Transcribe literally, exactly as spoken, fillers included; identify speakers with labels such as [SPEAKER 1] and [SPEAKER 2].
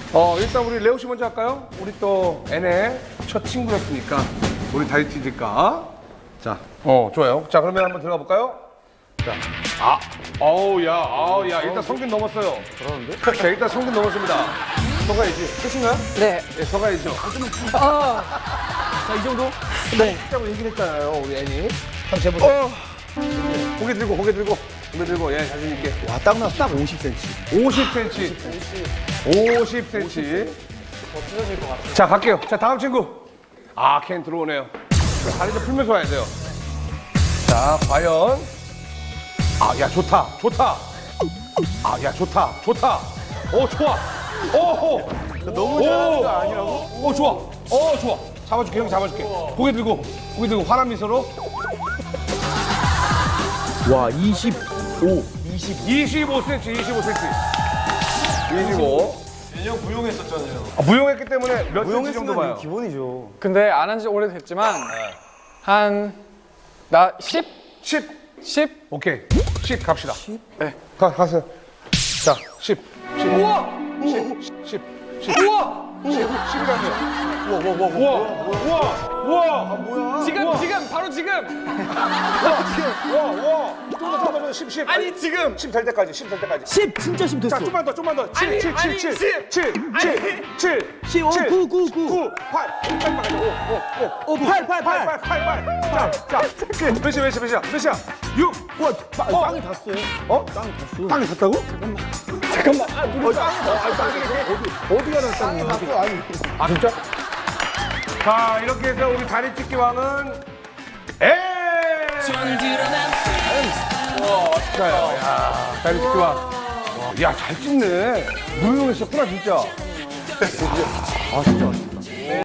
[SPEAKER 1] 어, 일단 우리 레오 씨 먼저 할까요? 우리 또 N의 첫 친구였으니까 우리 다리 찢을까? 자, 어, 좋아요. 자, 그러면 한번 들어가 볼까요? 자, 아, 어우, 야, 아우, 야, 일단 성균 넘었어요. 그러는데? 자, 일단 성균 넘었습니다. 서가야지. 끝인가요?
[SPEAKER 2] 네.
[SPEAKER 1] 네, 서가야죠.
[SPEAKER 2] 아,
[SPEAKER 1] 자, 이 정도?
[SPEAKER 2] 네.
[SPEAKER 1] 하고 얘기를 했잖아요, 우리 애니. 한번 재보자. 어. 고개 들고, 고개 들고, 고개 들고, 예, 자신있게.
[SPEAKER 3] 와, 딱 나왔어. 딱 오십 센티미터.
[SPEAKER 1] 오십 센티미터. 오십 센티미터. 자, 갈게요. 자, 다음 친구. 아, 캔 들어오네요. 다리 좀 풀면서 와야 돼요. 자, 과연. 아, 야, 좋다. 좋다. 아, 야, 좋다. 좋다. 오, 좋아. 오,
[SPEAKER 3] 너무 잘하는 거 아니라고?
[SPEAKER 1] 오, 좋아. 오, 좋아. 잡아줄게, 형 잡아줄게. 고개 들고, 고개 들고, 환한 미소로.
[SPEAKER 3] 와, 이십오.
[SPEAKER 1] 이십오 센티미터, 이십오 센티미터. 이십오.
[SPEAKER 4] 인형 무용했었잖아요.
[SPEAKER 1] 아, 무용했기 때문에 몇 센치 정도 봐요?
[SPEAKER 3] 무용했으면 기본이죠.
[SPEAKER 2] 근데 안 한 지 오래됐지만 한 나 십?
[SPEAKER 1] 십.
[SPEAKER 2] 십?
[SPEAKER 1] 오케이. 십 갑시다.
[SPEAKER 2] 네.
[SPEAKER 1] 가, 가세요. 자, 십. 십. 우와! 십. 십. 십. 우와! 십. 십이라고요. 우와, 우와, 우와, 우와, 우와, 우와.
[SPEAKER 2] 지금 지금 바로 지금.
[SPEAKER 1] 우와, 우와. 좀더 좀더 좀 십, 십.
[SPEAKER 2] 아니 지금.
[SPEAKER 1] 십 될 때까지, 십 될 때까지.
[SPEAKER 3] 십, 진짜 십 됐어.
[SPEAKER 1] 자, 좀만 더, 좀만 더.
[SPEAKER 2] 아니,
[SPEAKER 1] 칠, 칠,
[SPEAKER 2] 아니,
[SPEAKER 1] 칠,
[SPEAKER 2] 십.
[SPEAKER 1] 칠, 칠, 칠, 칠,
[SPEAKER 3] 십, 오, 구, 구, 구.
[SPEAKER 1] 팔. 여기까지만 가자. 오, 오, 오.
[SPEAKER 3] 오, 팔, 팔, 팔.
[SPEAKER 1] 팔, 팔, 팔. 자, 자. 몇 시야, 몇 시야, 몇 시야? 몇 시야? 육.
[SPEAKER 3] 와, 빵,
[SPEAKER 1] 어?
[SPEAKER 3] 빵이 닿았어요.
[SPEAKER 1] 어?
[SPEAKER 3] 빵이 닿았어.
[SPEAKER 1] 땅이 닿다고?
[SPEAKER 2] 잠깐만. 아, 누구?
[SPEAKER 1] 어디가 닿았다고?
[SPEAKER 3] 닿았어, 아니.
[SPEAKER 1] 아, 진짜? 자, 이렇게 해서 우리 다리 찢기 왕은 에. 진짜요. 야, 다리 찢기 왕. 야, 잘 찢네. 무용했었구나, 진짜. 아, 진짜.